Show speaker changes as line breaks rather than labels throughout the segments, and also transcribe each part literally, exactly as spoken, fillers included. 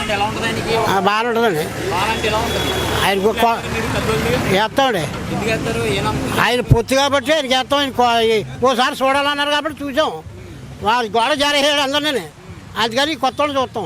బాగానే ఉంటుందండి. ఆయనకు వేస్తామండి. ఆయన పొత్తు కాబట్టి ఆయనకి వేస్తాం. ఆయన ఓసారి చూడాలన్నారు కాబట్టి చూసాం. వాళ్ళ గోడ జారేసాడు అందరినీ, అందుకని కొత్త వాళ్ళు చూస్తాం.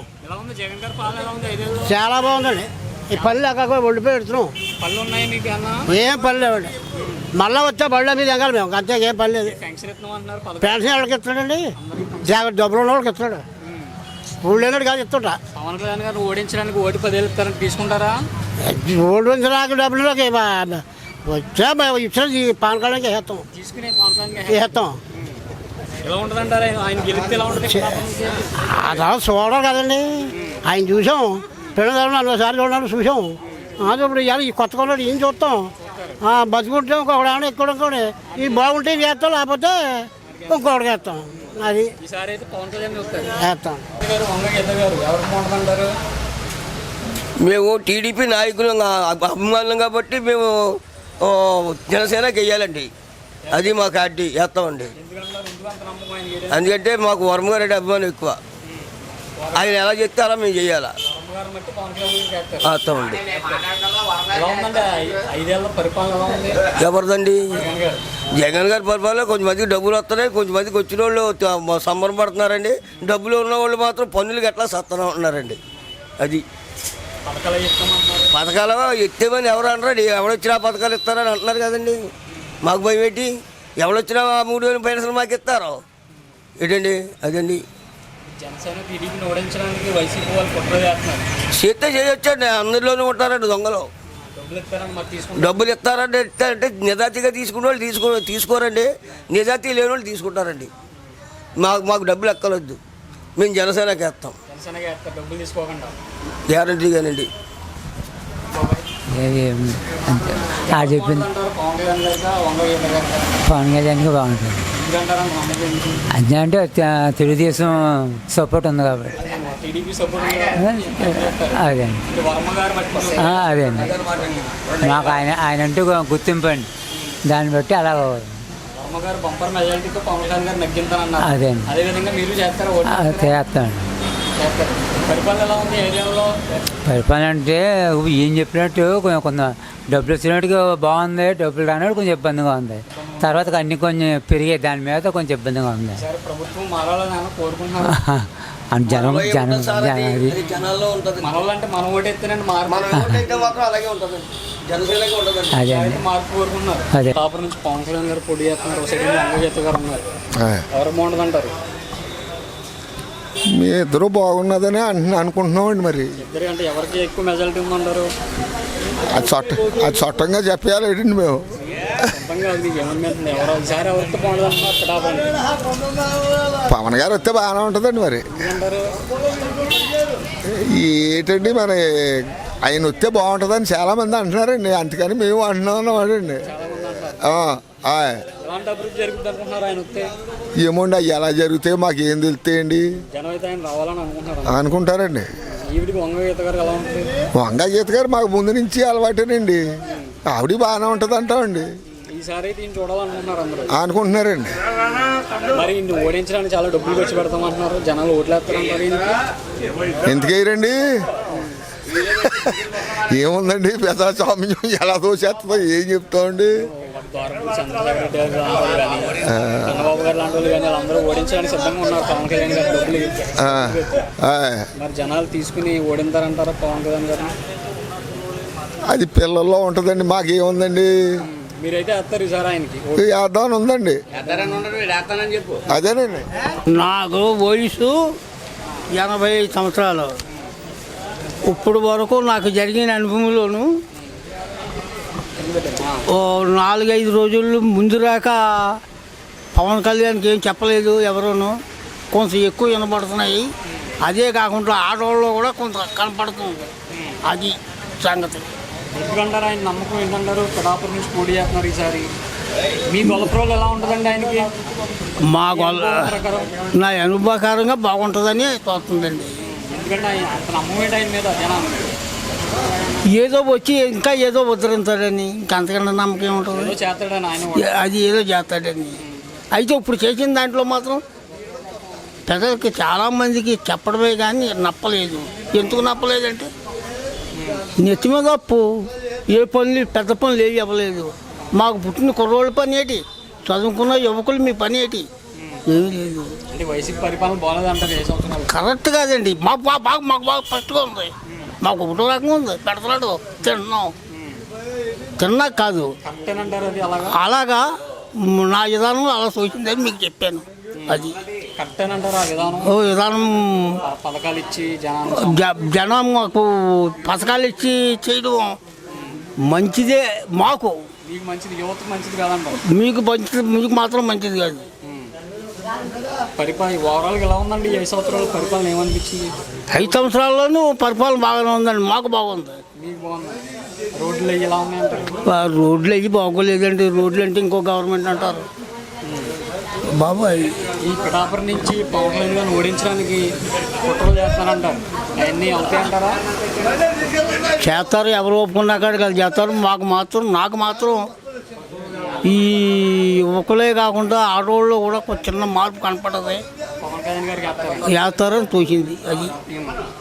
చాలా బాగుందండి. ఈ పళ్ళు అక్కడ ఒడిపోయి పెడుతున్నాం. ఏం పళ్ళు లేవండి. మళ్ళీ వచ్చే బళ్ళ మీద ఎగాలి మేము, అంతే. ఏం పని లేదు. పెన్షన్ ఎవరికి ఇస్తాడండి? జాగ్రత్త డబ్బులు ఉన్న వాళ్ళకి ఇస్తాడు. ఊళ్ళు లేనాడు కాదు ఇస్తుంటా.
పవన్ కళ్యాణ్ గారు ఓడించడానికి ఓటు పదేళ్ళు ఇస్తారని తీసుకుంటారా?
ఓడించడానికి డబ్బులకి వచ్చా ఇచ్చిన పవన్ కళ్యాణ్కి వేస్తాం. వేస్తాం. అలా చూడడం కదండి. ఆయన చూసాం. పిల్లలు నలభై సార్లు చూడాలని చూసాం. అది ఇప్పుడు ఇవాళ ఈ కొత్త కొన్నాడు ఏం చూస్తాం. బతుకుంటే ఇంకొకటి ఏమైనా ఎక్కువ ఇంకోటి ఇది బాగుంటే వేస్తాం, లేకపోతే ఇంకొకటి వేస్తాం. అది వేస్తాం.
మేము టీడీపీ నాయకులు అభిమానులు కాబట్టి మేము జనసేనకి వెయ్యాలండి. అది మా పార్టీ వేస్తామండి. ఎందుకంటే మాకు వర్మగారెడ్డి అభిమానం ఎక్కువ. ఆయన ఎలా చెప్తే అలా మేము చెయ్యాలా. వేస్తామండి. ఎవరిదండి? జగన్ గారి పరిపాలన కొంచెం మందికి డబ్బులు వస్తున్నాయి, కొంచెం మందికి వచ్చిన వాళ్ళు సంబరం పడుతున్నారండి. డబ్బులు ఉన్న వాళ్ళు మాత్రం పన్నులకి ఎట్లా సత్తనం ఉంటున్నారండి. అది పథకాలు ఎత్తేమని ఎవరు అంటారు? ఎవడొచ్చినా పథకాలు ఇస్తారని అంటున్నారు కదండి. మాకు భయం ఏంటి? ఎవడొచ్చినా మూడు వేలు పెన్షన్ మాకు ఇస్తారో ఏంటండి? అదండి. చేస్తే చేయొచ్చండి. అందరిలోనూ ఉంటారండి దొంగలు. డబ్బులు ఇస్తారంటే ఇస్తారంటే నిజాతీగా తీసుకునే వాళ్ళు తీసుకో తీసుకోరండి. నిజాతీ లేని వాళ్ళు తీసుకుంటారండి. మాకు మాకు డబ్బులు ఎక్కలొద్దు. మేము జనసేనకి వేస్తాం గ్యారంటీగానండి.
చెప్పింది పవన్ కళ్యాణ్కి బాగుంటుంది. అంతే అంటే తెలుగుదేశం సపోర్ట్ ఉంది కాబట్టి అదే అదే అండి. మాకు ఆయన ఆయన అంటూ గుర్తింపు అండి. దాన్ని బట్టి అలా అదే అండి చేస్తామండి. పరిపాలన అంటే ఏం చెప్పినట్టు కొంచెం కొంత డబ్బులు వచ్చినట్టుగా బాగుంది, డబ్బులు రానట్టు కొంచెం ఇబ్బందిగా ఉంది. తర్వాత అన్ని కొంచెం పెరిగే దాని మీద కొంచెం ఇబ్బందిగా ఉంది. జనం జనం అదే అదే
పవన్ కళ్యాణ్ గారు పోటీ చేస్తున్నారు.
మీ ఇద్దరు బాగున్నదని అంటున్నా అనుకుంటున్నామండి. మరి
ఎవరికి ఎక్కువ మెజారిటీ ఉందంటారు?
అది చట్ట అది చట్టంగా చెప్పాలి ఏంటండి మేము. పవన్ గారు వస్తే బాగానే ఉంటుందండి. మరి ఏంటండి మరి ఆయన వస్తే బాగుంటుందని చాలామంది అంటున్నారండి. అందుకని మేము అంటున్నాం అండి. ఏమోండి అవి ఎలా జరుగుతాయో మాకు ఏం తెలుస్తాయండి అనుకుంటారండి. వంగ గీత గారు మాకు ముందు నుంచి అలవాటేనండి. ఆవిడ బాగానే ఉంటుంది అంటామండి. అనుకుంటున్నారండి. ఎందుకేయరండి? ఏముందండి పెద్ద స్వామ్యం ఎలా దోచేస్తుందో ఏం చెప్తామండి.
చంద్రబాబు గారు లాంటి వాళ్ళు కానీ అందరూ ఓడించడానికి సిద్ధంగా ఉన్నారు పవన్ కళ్యాణ్ గారు. డబ్బులు మరి జనాలు తీసుకుని ఓడింతారంటారా పవన్ కళ్యాణ్ గారు?
అది పిల్లల్లో ఉంటుందండి. మాకేముందండి?
మీరైతే వేస్తారు సార్ ఆయనకి?
వేద్దామని ఉందండి. అదేనండి.
నాకు వయసు ఎనభై ఐదు సంవత్సరాలు. ఇప్పుడు వరకు నాకు జరిగిన అనుభవంలోను ఓ నాలుగైదు రోజులు ముందు రాక పవన్ కళ్యాణ్కి ఏం చెప్పలేదు ఎవరును. కొంచెం ఎక్కువ వినపడుతున్నాయి. అదే కాకుండా ఆడవాళ్ళు కూడా కొంత కనపడుతుంది. అది సంగతి.
ఎందుకంటారు ఆయన నమ్మకం ఏంటంటారు? పిఠాపురం నుంచి పోటీ చేస్తున్నారు ఈసారి. మీ గొల్లప్రోలు ఎలా ఉంటుందండి ఆయనకి?
మా గొల్ల నా అనుభవకారంగా బాగుంటుందని తోస్తుందండి.
ఎందుకంటే ఆయన నమ్మకం ఏంటి ఆయన మీద?
ఏదో వచ్చి ఇంకా ఏదో ఉద్ధరించాడని, ఇంకా అంతకన్నా నమ్మకం ఏముంటుంది?
చేస్తాడని ఆయన
అది ఏదో చేస్తాడని. అయితే ఇప్పుడు చేసిన దాంట్లో మాత్రం ప్రజలకి చాలామందికి చెప్పడమే కానీ నప్పలేదు. ఎందుకు నప్పలేదంటే నెత్తి మీద అప్పు ఏ పనులు పెద్ద పనులు ఏవి ఇవ్వలేదు. మాకు పుట్టిన కుర్రోళ్ళ పని ఏంటి, చదువుకున్న యువకులు మీ పని ఏంటి, ఏమీ లేదు.
అంటే వైసీపీ పరిపాలన బాగాలేదు అంటారు ఏ సంవత్సరాలు?
కరెక్ట్ కాదండి. మాకు బాగా బాగా మాకు బాగా ఫస్ట్గా ఉంది. మాకు ఒకటో రకంగా ఉంది. పెడతలాడు తిన్నాం, తిన్నా కాదు
కరెక్టేనంటారు అది అలాగా?
అలాగా నా విధానం అలా సూచిందని మీకు చెప్పాను. అది
కరెక్టేనంటారు ఆ విధానం?
ఓ విధానం
ప- పథకాలు ఇచ్చి జనాన్ని
జ- జనం మాకు పథకాలు ఇచ్చి చేయడం మంచిదే. మాకు
మీకు మంచిది, యువతకు మంచిది కాదంటారు.
మీకు మంచిది, మీకు మాత్రం మంచిది కాదు.
పరిపాలన ఓవరాల్గా ఎలా ఉందండి ఈ ఐదు సంవత్సరాల పరిపాలన ఏమనిపించింది?
ఐదు సంవత్సరాల్లోనూ పరిపాలన బాగానే ఉందండి. మాకు బాగుంది.
మీకు బాగుంది. రోడ్లు అవి ఎలా ఉన్నాయంటారు?
ఆ రోడ్లు అవి బాగోలేదండి. రోడ్లు అంటే ఇంకో గవర్నమెంట్ అంటారు బాబాయ్.
ఈ పిఠాపురం నుంచి పవన్ కళ్యాణ్ గారిని ఓడించడానికి కుట్రలు చేస్తున్నారంటారు, అవన్నీ అవుతాయంటారా?
చేస్తారు, ఎవరు ఒప్పుకున్నా కాదు కదా చేస్తారు. మాకు మాత్రం నాకు మాత్రం ఈ యువకులే కాకుండా ఆడవాళ్ళు కూడా ఒక చిన్న మార్పు కనపడదు.
పవన్ కళ్యాణ్ గారికి వేస్తారు.
వేస్తారని తోచింది. అది